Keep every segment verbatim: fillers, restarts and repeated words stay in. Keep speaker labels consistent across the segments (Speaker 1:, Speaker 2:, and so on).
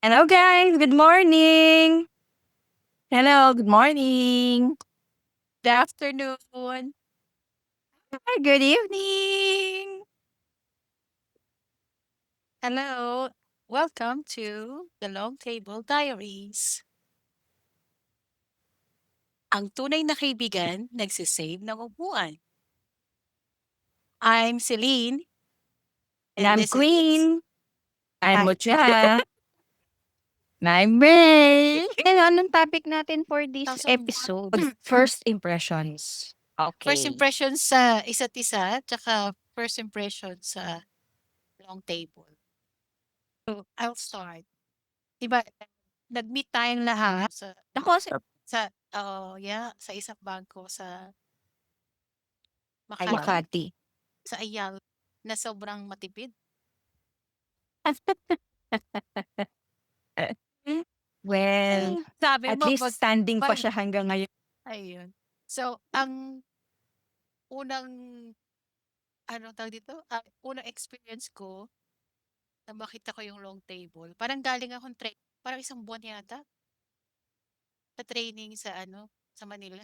Speaker 1: Hello guys, good morning.
Speaker 2: Hello, good morning.
Speaker 3: Good afternoon.
Speaker 1: Hi, good evening.
Speaker 3: Hello. Welcome to the Long Table Diaries. Ang tunay na kaibigan nagsisave ng upuan. I'm Celine.
Speaker 1: And
Speaker 3: And
Speaker 1: I'm
Speaker 3: this is
Speaker 1: Queen.
Speaker 2: I'm
Speaker 3: Hi.
Speaker 2: Mucha.
Speaker 1: I'm Ray. Ano, anong topic natin for this
Speaker 3: Kaso
Speaker 1: episode?
Speaker 2: First impressions.
Speaker 3: first
Speaker 1: Okay.
Speaker 3: impression sa isa't isa, tsaka first impression sa long table. So, I'll start. Diba, nag-meet tayong lahat sa,
Speaker 1: Ako, si
Speaker 3: sa, oh yeah, sa isang bangko sa
Speaker 1: ay,
Speaker 3: Makati,
Speaker 1: Makati.
Speaker 3: sa Ayala, na sobrang matipid.
Speaker 2: Well,
Speaker 3: Sabi
Speaker 2: at
Speaker 3: mo,
Speaker 2: least
Speaker 3: mag,
Speaker 2: standing pa
Speaker 3: mag,
Speaker 2: siya hanggang ngayon.
Speaker 3: ayun. So, ang unang, ano tawag dito? Ah, unang experience ko na makita ko yung long table. Parang galing akong train, parang isang buwan yata, sa training sa ano, sa Manila,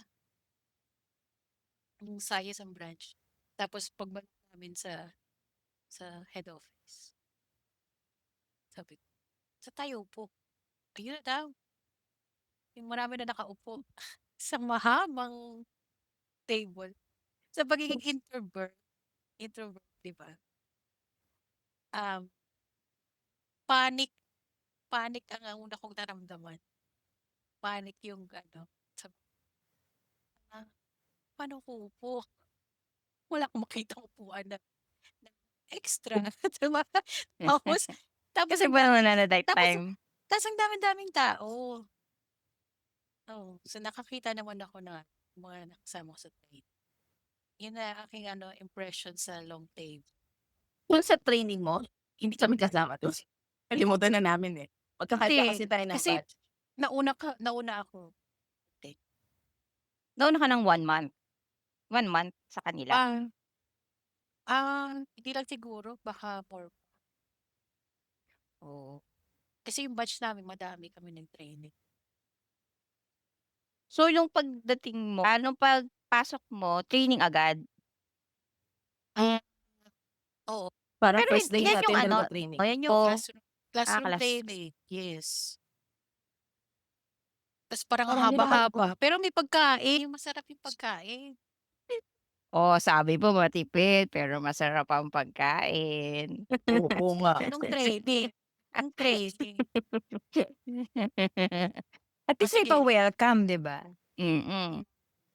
Speaker 3: yung Sayas ang branch. Tapos pagbalik namin sa sa head office, sabi ko, sa tayo po. Ayun na daw, yung marami na nakaupo. Isang mahabang table. Sa pagiging introvert, introvert, di ba? Um, panic, panic ang ang una kong naramdaman. Panic yung ano, sabi ah, paano ko upo? Wala akong makitang upuan na, na extra. Diba? Tapos, tapos
Speaker 1: Kasi
Speaker 3: ang
Speaker 1: pa
Speaker 3: dami,
Speaker 1: naman na that
Speaker 3: tapos,
Speaker 1: time.
Speaker 3: tapos ang dami-daming tao. Oh, so nakakita naman ako na mga nakasama ko sa train. Yun na aking ano, impression sa long table.
Speaker 2: Kung sa training mo, hindi kami kasama doon. Kalimutan na namin eh. Magkakanta kasi
Speaker 3: Kasi,
Speaker 2: tayo ng
Speaker 3: kasi
Speaker 2: batch.
Speaker 3: nauna ka, nauna ako. Okay.
Speaker 1: Nauna ka ng one month. One month sa kanila.
Speaker 3: Ah, ah, hindi lang siguro, baka more.
Speaker 1: Oh.
Speaker 3: Kasi yung batch namin, madami kami ng training.
Speaker 1: So, yung pagdating mo, anong pagpasok mo, training agad?
Speaker 3: Ah, oo.
Speaker 2: Parang
Speaker 1: Pero
Speaker 2: first
Speaker 1: hin-
Speaker 2: day
Speaker 1: yan yung
Speaker 2: natin
Speaker 1: ano,
Speaker 2: talaga training.
Speaker 1: yan yung
Speaker 3: Classroom,
Speaker 1: ah,
Speaker 3: classroom
Speaker 1: class.
Speaker 3: training. Yes. Tapos parang
Speaker 2: Parang hindi naman,
Speaker 3: haba-haba. Pero may pagkain. Yung masarap yung pagkain.
Speaker 1: Oh, sabi mo matipid, pero masarap ang pagkain.
Speaker 2: opo nga.
Speaker 3: Nung training. Nung training.
Speaker 1: At
Speaker 3: O
Speaker 1: least may
Speaker 3: sige.
Speaker 1: pa-welcome, 'di ba? Mm.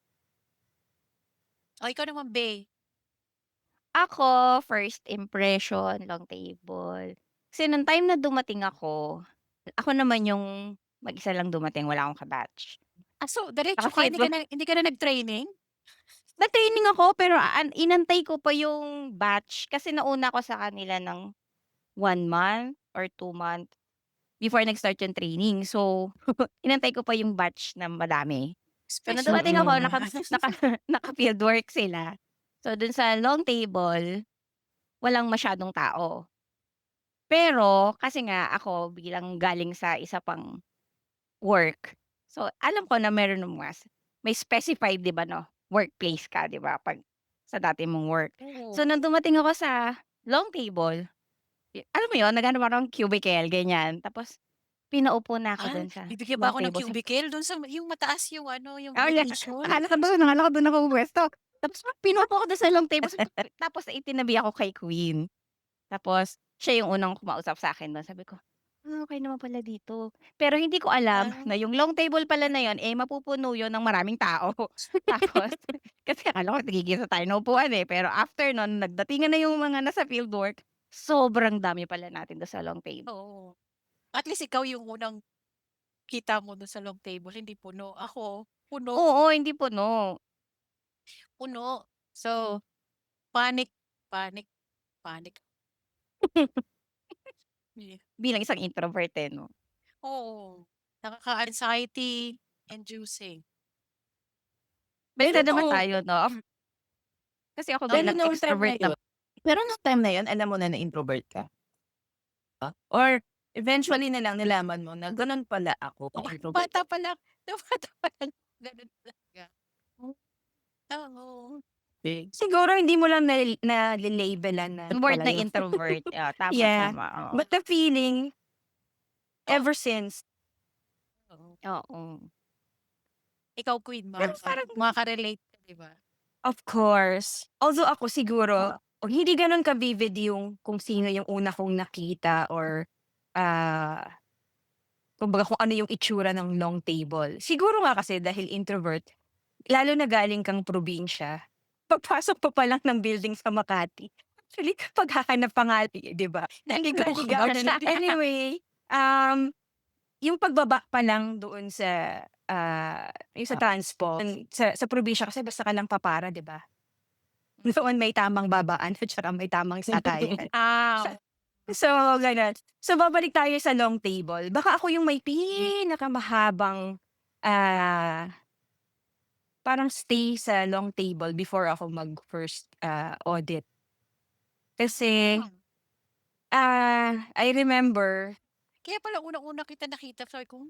Speaker 3: O ikaw naman, Bey.
Speaker 1: Ako, first impression, long table. Kasi nung time na dumating ako, ako naman yung mag-isa lang dumating, wala akong ka-batch.
Speaker 3: Ah, so diretso ka, hindi
Speaker 1: Naka-fieldwork
Speaker 3: ka na hindi ka na nag-training?
Speaker 1: nag-training ako pero an inantay ko pa yung batch kasi nauna ako sa kanila ng one month or two month before nag-start yung training. So, inantay ko pa yung batch na madami. So, nung
Speaker 3: Special
Speaker 1: dumating
Speaker 3: ka
Speaker 1: ako
Speaker 2: Mm.
Speaker 1: naka
Speaker 3: naman.
Speaker 1: naka naka-fieldwork sila. So, dun sa long table, walang masyadong tao. Pero kasi nga ako bilang galing sa isa pang work, so alam ko na meron ng mas may specified 'di ba 'no, workplace ka 'di ba 'pag sa dati mong work.
Speaker 3: Oo.
Speaker 1: So, nung dumating ako sa long table, y alam mo yun, nag-aano parang cubicle ganyan, tapos pinaupo na ako
Speaker 3: Ah,
Speaker 1: dun sa
Speaker 3: bibigyan pa
Speaker 1: long
Speaker 3: ako ng
Speaker 1: table sa
Speaker 3: cubicle dun sa yung mataas yung ano, yung
Speaker 1: oh, yeah,
Speaker 3: location.
Speaker 1: akala ko dun akala ko dun ako pumupuwesto. Tapos pinaupo ako dun sa long table sabi ko tapos itinabi ako kay Queen. Tapos siya yung unang kumausap sa'kin dun, sabi ko, "Ah, okey naman pala dito." Pero hindi ko alam
Speaker 3: Ah,
Speaker 1: na yung long table pala na yun, eh, mapupuno yun ng maraming tao. Tapos kasi akala ko tigigisa tayo ng upuan, eh, pero after nun nagdatingan na yung mga nasa fieldwork, sobrang dami pala natin dun sa long table.
Speaker 3: oo. At least ikaw yung unang kita mo dun sa long table, hindi puno. Ako, puno,
Speaker 1: Oo, hindi puno.
Speaker 3: puno. So, panic, panic, panic. Yeah.
Speaker 1: Bilang isang introvert, eh, 'no?
Speaker 3: Oo. Nakaka-anxiety inducing.
Speaker 2: Pero
Speaker 1: Basta naman
Speaker 2: nung,
Speaker 1: tayo 'no, kasi ako
Speaker 3: Oh,
Speaker 2: pero
Speaker 1: bilang
Speaker 2: nung time na
Speaker 1: extrovert
Speaker 2: yun,
Speaker 1: naman
Speaker 2: pero nung time na yun, alam mo na na introvert ka? Or Eventually na lang nalaman mo na gano'n pala ako
Speaker 3: Oo,
Speaker 2: ka-introvert.
Speaker 3: bata pa lang, nung bata pa lang gano'n talaga. Oo.
Speaker 2: Big.
Speaker 4: Siguro hindi mo lang nali nale-labelan na
Speaker 1: Word
Speaker 4: pala
Speaker 1: na
Speaker 4: yung
Speaker 1: introvert. Oo, tama,
Speaker 4: yeah,
Speaker 1: tama, oo.
Speaker 4: but the feeling
Speaker 3: Oh.
Speaker 4: ever since
Speaker 3: Oo.
Speaker 1: Oo.
Speaker 3: Ikaw, Queen,
Speaker 4: Pero
Speaker 3: makaka
Speaker 4: parang
Speaker 3: makaka-relate ka, 'di ba?
Speaker 4: of course. Although ako siguro, o hindi gano'n ka-vivid yung kung sino yung una kong nakita or, ah, kumbaga kung ano yung itsura ng long table. Siguro nga kasi dahil introvert, lalo na galing kang probinsya, pagpasok mo pa lang ng building sa Makati, actually paghahanap pa nga, 'di ba? Naligaw-ligaw
Speaker 3: Ouch.
Speaker 4: na. Anyway, um, yung pagbaba pa lang doon sa, ah, yung sa
Speaker 2: Ah.
Speaker 4: transpo, sa sa probinsya kasi basta ka lang papara, 'di ba? Doon may tamang babaan at saka may tamang sakayan.
Speaker 1: Ah,
Speaker 4: So, gano'n. So, babalik tayo sa long table. Baka ako yung may pinakamahabang, ah, parang stay sa long table before ako mag-first, ah, audit. Kasi,
Speaker 3: Hmm.
Speaker 4: ah, I remember
Speaker 3: Kaya pala unang-una kita nakita sabi ko,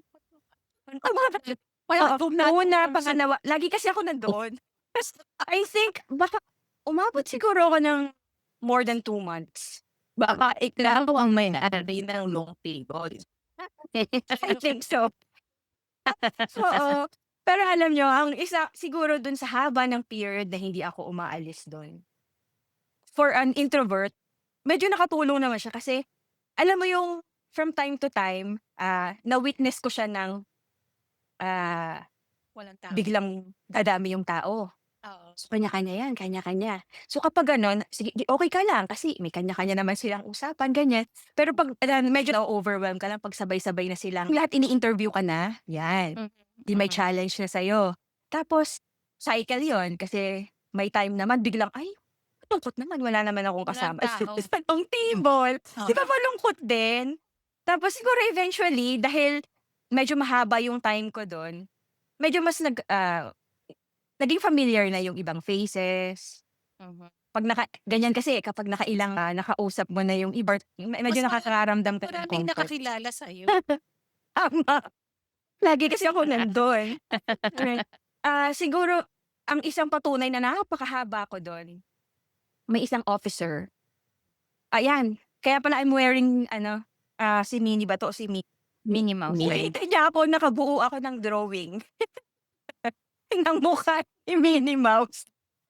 Speaker 4: Oo,
Speaker 3: doon na
Speaker 4: una,
Speaker 3: ako sa
Speaker 4: pangalawa, lagi kasi ako nandoon. Tas I think baka umabot siguro ako ng more than two months.
Speaker 2: Baka ikaw ang may-ari ng long table.
Speaker 4: I think so. Oo. Pero alam niyo, ang isa siguro dun sa haba ng period na hindi ako umaalis dun, for an introvert, medyo nakatulong naman siya kasi alam mo yung from time to time, ah, na-witness ko siya ng, ah,
Speaker 3: walang tao.
Speaker 4: biglang dadami yung tao.
Speaker 3: Oo.
Speaker 4: So, kanya-kanya yan, kanya-kanya. So, kapag gano'n, sige, di okey ka lang kasi may kanya-kanya naman silang usapan, ganyan. Pero 'pag ah, medyo na-o-overwhelm ka lang 'pag sabay-sabay na silang lahat ini-interview ka na, yan.
Speaker 1: Mhm,
Speaker 4: 'Di may
Speaker 1: mhm.
Speaker 4: challenge na sa'yo. Tapos cycle yon kasi may time naman biglang, "Ay, malungkot naman, wala naman akong
Speaker 3: Walang
Speaker 4: kasama
Speaker 3: tao.
Speaker 4: sa long table." 'Di ba
Speaker 3: Oo.
Speaker 4: malungkot din? Tapos siguro eventually dahil medyo mahaba yung time ko dun, medyo mas nag ah, naging familiar na yung ibang faces.
Speaker 1: Mhm.
Speaker 4: 'Pag naka ganyan kasi kapag nakailang, ah, nakausap mo na yung iba, me medyo
Speaker 3: Mas mara
Speaker 4: nakakaramdam ka ng
Speaker 3: maraming
Speaker 4: comfort.
Speaker 3: nakakilala sa'yo.
Speaker 4: Tama. Lagi kasi ako nandun. Right. Ah, siguro ang isang patunay na napakahaba ko dun, may isang officer. Ayan, kaya pala I'm wearing ano, ah, si Minnie ba 'to o si Mi
Speaker 1: Minnie Mouse.
Speaker 2: Minnie.
Speaker 4: nakita niya ako nakabuo ako ng drawing ng mukha ni Minnie Mouse.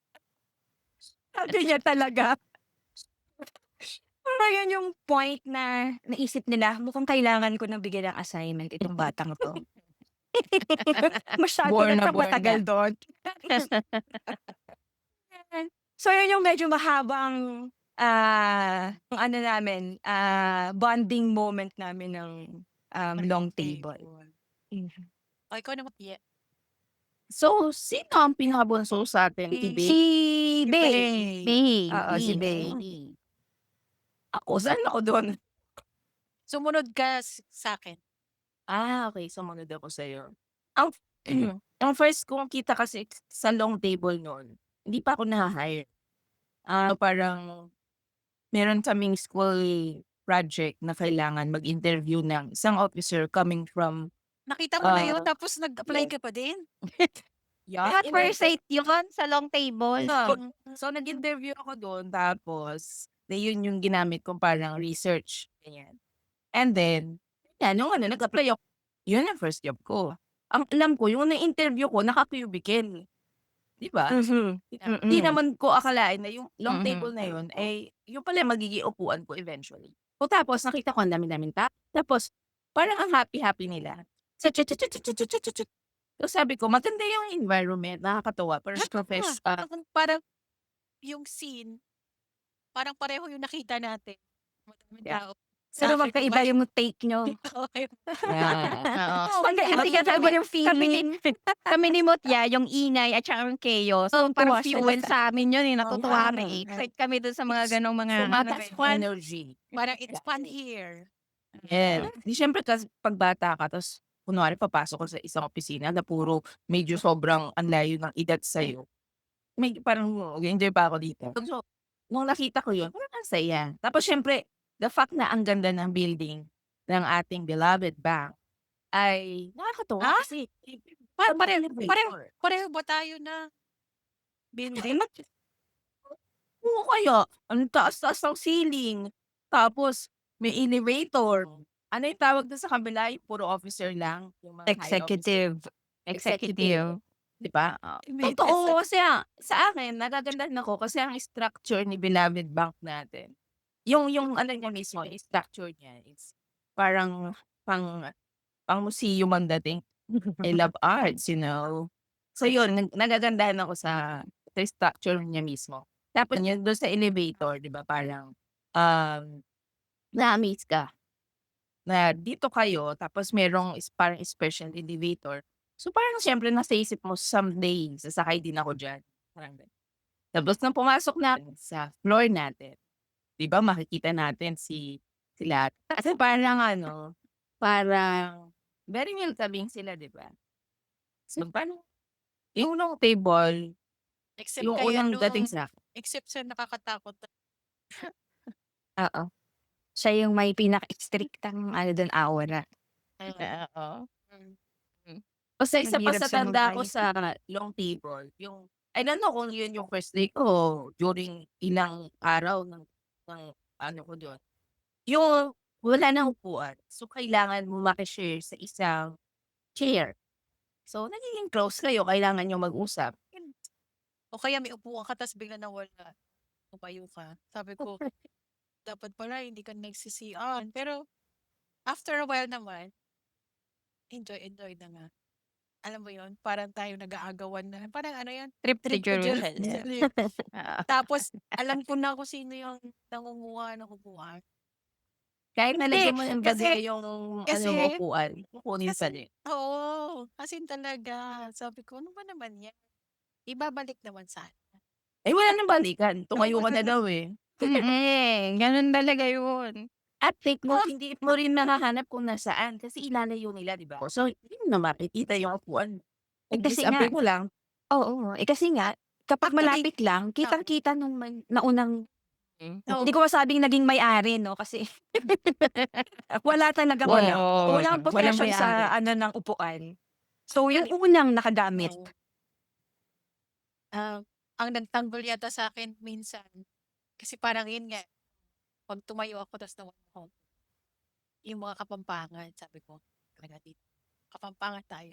Speaker 4: Sabi niya talaga. Ayun yung point na naisip nila, mukhang kailangan ko ng bigyan ng assignment itong batang 'to. Masyado
Speaker 2: Born
Speaker 4: na
Speaker 2: na
Speaker 4: siyang
Speaker 2: born
Speaker 4: matagal
Speaker 2: na.
Speaker 4: dun. So, yun yung medyo mahabang, ah, yung ano namin, ah, bonding moment namin ng, um, long table. Mhm.
Speaker 3: Oh, ikaw naman, Pia.
Speaker 2: So, sino ang pinakabunso sa atin? Si Bey?
Speaker 4: Si Bey.
Speaker 3: Bey.
Speaker 1: Bey,
Speaker 4: Oo, si Bey.
Speaker 1: Bey.
Speaker 2: Ako, saan ako dun?
Speaker 3: Sumunod ka s sa'kin.
Speaker 2: Ah, okey, sumunod ako sa'yo. Ang ang first kong kita kasi sa long table nun, hindi pa ako naha-hire. Ah, parang meron kaming school project na kailangan mag-interview ng isang officer coming from,
Speaker 3: Nakita mo na yun
Speaker 2: ah
Speaker 3: tapos nag-apply
Speaker 2: yes.
Speaker 3: ka pa din?
Speaker 2: Yeah,
Speaker 1: At first sight yun sa long table.
Speaker 2: So,
Speaker 3: Mm.
Speaker 2: so nag-interview ako dun tapos na yun yung ginamit kong parang research, ganyan. And then, yan nung ano nag-apply ako, yun ang first job ko. Ang alam ko yung na-interview ko naka-cubicle, 'di ba?
Speaker 4: Mhm.
Speaker 2: Hindi
Speaker 4: Mm.
Speaker 2: naman ko akalain na yung long
Speaker 1: Mhm.
Speaker 2: table na yun ay yung pala yung magiging upuan ko eventually. O tapos nakita ko ang dami-daming tao, tapos parang ang happy-happy nila. Sa chu chu chu chu chu chu chu chu chu. So sabi ko maganda yung environment, nakakatuwa, parang profes ah,
Speaker 3: Parang parang yung scene, parang pareho yung nakita natin. Madaming
Speaker 2: Yeah.
Speaker 3: tao.
Speaker 4: Pero
Speaker 3: Sa'kin
Speaker 4: magkaiba
Speaker 3: naman
Speaker 4: yung take niyo.
Speaker 2: yeah.
Speaker 1: Oo.
Speaker 4: Magkaiba
Speaker 1: Kasi
Speaker 4: magkaiba
Speaker 1: kami
Speaker 4: yung feeling.
Speaker 1: kami ni Mutya, yung ingay at saka yung chaos, so parang
Speaker 4: Tuwa sila
Speaker 1: fuel
Speaker 4: sa
Speaker 1: sa amin yun, eh, natutuwa
Speaker 2: Yeah.
Speaker 1: kami, excite kami dun sa mga ganong mga ano,
Speaker 2: Mataas
Speaker 3: It's
Speaker 2: yung
Speaker 3: fun.
Speaker 2: energy.
Speaker 3: Parang it's fun here.
Speaker 2: Yes. Di siyempre kasi 'pag bata ka tapos kunwari papasok ka sa isang opisina na puro medyo sobrang ang layo ng edad sa'yo. May parang nag-e-enjoy pa ako dito. So, nung nakita ko yun, parang ang saya. Tapos siyempre, the fact na ang ganda ng building, ng ating beloved bank ay nakakatuwa
Speaker 3: Ah?
Speaker 2: kasi
Speaker 3: Pa
Speaker 2: sa mga
Speaker 3: pareho pareho
Speaker 2: elevator.
Speaker 3: pareho ba tayo na building?
Speaker 2: Oo, kaya ang taas-taas ng ceiling, tapos may elevator. Ano yung tawag dun sa kabila, yung puro officer lang, yung mga high officer?
Speaker 4: Executive.
Speaker 2: Executive,
Speaker 4: Executive.
Speaker 2: 'di ba? Oo.
Speaker 3: May
Speaker 2: Totoo kasi, ah, sa akin nagagandahan ako kasi ang structure ni beloved bank natin, yung yung ano niya mismo, yung structure niya is parang pang pang-museum ang dating. I love arts, you know? So yun, nag nagagandahan ako sa sa structure niya mismo. Tapos yun dun sa elevator, 'di ba parang, um, na-amaze ka na dito kayo tapos merong is parang special elevator. So parang siyempre nasa isip mo, "Someday sasakay din ako diyan." Parang gano'n. Tapos nung pumasok na sa floor natin, 'di ba makikita natin si sila kasi parang ano, parang very welcoming sila, 'di ba? So parang yung unang table,
Speaker 3: Except
Speaker 2: yung
Speaker 3: kay
Speaker 2: unang
Speaker 3: ano,
Speaker 2: dating sa
Speaker 3: except sa nakakatakot na
Speaker 4: Oo. Siya yung may pinaka-striktang ano dun, aura.
Speaker 2: oo.
Speaker 3: mm.
Speaker 4: Hmm.
Speaker 2: Basta isa pa
Speaker 4: Mahirap
Speaker 2: sa tanda ko
Speaker 4: sumabay.
Speaker 2: sa long table, yung I don't know kung yun yung first day ko during ilang araw ng ng ano ko dun, yung wala ng upuan. So, kailangan mo maki-share sa isang chair. So, nagiging close kayo, kailangan niyo mag-usap.
Speaker 3: Yun. O kaya may upuan ka ta's biglang nawala, tumayo ka. Sabi ko, dapat pala hindi ka nagsi-C R. Pero after a while naman, enjoy, enjoy na nga. Alam mo yun, parang tayo nag-aagawan na. Parang ano yan,
Speaker 4: Trip to
Speaker 3: trip to
Speaker 4: Jerusalem.
Speaker 3: Jerusalem.
Speaker 4: Oo.
Speaker 3: Tapos alam ko na kung sino yung nangunguha ng upuan.
Speaker 2: Kahit
Speaker 3: Hindi,
Speaker 2: nalagyan mo ng
Speaker 3: kasi
Speaker 2: gabi yung ano mo,
Speaker 3: kasi
Speaker 2: upuan, kukunin pa
Speaker 3: kasi
Speaker 2: din.
Speaker 3: oo, as in talaga. Sabi ko, ano ba naman yan? Ibabalik naman sana.
Speaker 2: Eh, wala ng balikan, tumayo ka na daw, eh.
Speaker 1: Mm, ganun talaga yun.
Speaker 2: At take mo, hindi mo rin mahahanap kung nasaan kasi ilalayo nila, 'di ba? So, hindi mo na makikita yung upuan.
Speaker 4: Eh, kasi nga
Speaker 2: Pag-disappear mo lang,
Speaker 4: oo. Eh, kasi nga kapag
Speaker 3: Actually,
Speaker 4: malapit lang,
Speaker 3: oo.
Speaker 4: kitang-kita nung may naunang
Speaker 1: Hmm.
Speaker 3: Oo.
Speaker 4: hindi ko masabing naging may-ari 'no, kasi wala talagang
Speaker 2: wala,
Speaker 1: Oo.
Speaker 4: walang
Speaker 2: walang
Speaker 4: possession sa
Speaker 2: may-ari.
Speaker 4: ano ng upuan. So, yung unang nakagamit.
Speaker 3: Oo. Ah, ang nagtanggol yata sa akin minsan, kasi parang yun nga, 'pag tumayo ako ta's nawala ako, yung mga Kapampangan, sabi ko, talaga dito, Kapampangan tayo.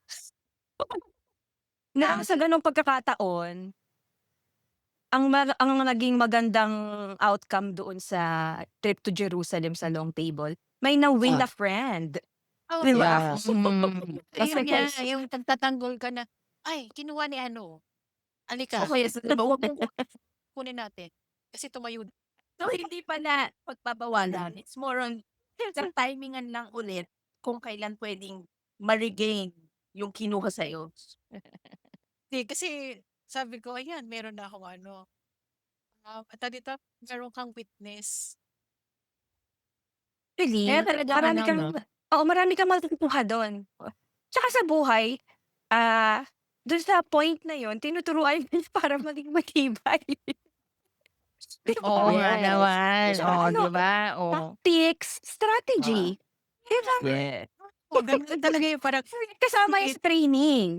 Speaker 4: Na sa gano'ng pagkakataon, ang ma ang naging magandang outcome doon sa trip to Jerusalem sa long table, may na-win
Speaker 2: Ah.
Speaker 4: na friend.
Speaker 3: Oo,
Speaker 4: 'Di ba?
Speaker 2: Yeah.
Speaker 1: Mm.
Speaker 3: ayun
Speaker 4: Kasi
Speaker 3: nga,
Speaker 4: guys
Speaker 3: yung nagtatanggol ka na, "Ay, kinuha ni ano,
Speaker 2: O
Speaker 3: halika,
Speaker 2: kaya sa wag mong
Speaker 3: kunin natin." Kasi tumayo
Speaker 2: so hindi pala pagbabawalan, it's more on sa timingan lang ulit kung kailan puwedeng ma-regain yung kinuha sa'yo.
Speaker 3: Hindi, kasi sabi ko, ayan, meron na akong ano, ah, ano tawag dito, meron kang witness.
Speaker 4: Really,
Speaker 2: Kaya talaga
Speaker 4: marami
Speaker 2: ano
Speaker 4: kang
Speaker 2: 'no,
Speaker 4: oo, marami kang matututuhan do'n. Tsaka sa buhay, ah, do'n sa point na 'yun tinuturuan ka niya para maging matibay. 'Di
Speaker 1: Oo
Speaker 4: ba?
Speaker 1: nga
Speaker 2: yes,
Speaker 1: naman.
Speaker 2: yes.
Speaker 4: Tsaka
Speaker 1: Oh,
Speaker 4: ano,
Speaker 1: 'di ba? Oh.
Speaker 4: tactics, strategy, 'di ba?
Speaker 2: Yeah.
Speaker 3: Oo, ganun talaga yun, parang
Speaker 4: Kasama 'yan sa training.